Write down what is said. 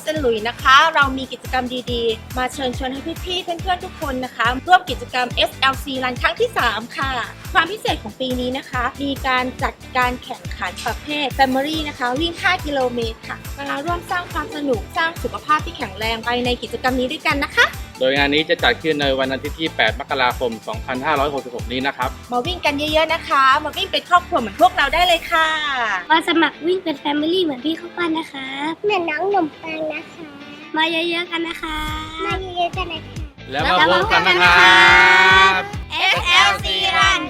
เซนต์หลุยส์นะคะเรามีกิจกรรมดีๆมาเชิญชวนให้พี่ๆเพื่อนๆทุกคนนะคะร่วมกิจกรรม SLC Run ครั้งที่ 3 ค่ะความพิเศษของปีนี้นะคะมีการจัดการแข่งขันประเภท Family นะคะวิ่ง 5 กิโลเมตรค่ะมาร่วมสร้างความสนุกสร้างสุขภาพที่แข็งแรงไปในกิจกรรมนี้ด้วยกันนะคะโดยงานนี้จะจัดขึ้นในวันอาทิตย์ที่ 8 มกราคม 2566 นี้นะครับมาวิ่งกันเยอะๆนะคะมาวิ่งเป็นครอบครัวเหมือนพวกเราได้เลยค่ะมาสมัครวิ่งเป็นแฟมิลี่เหมือนพี่ข้าวปั้นนะคะเหมือนน้องหนมปังนะคะมาเยอะๆกันนะคะมาเยอะๆกันนะคะแล้วมาพบกันนะครับ SLC Run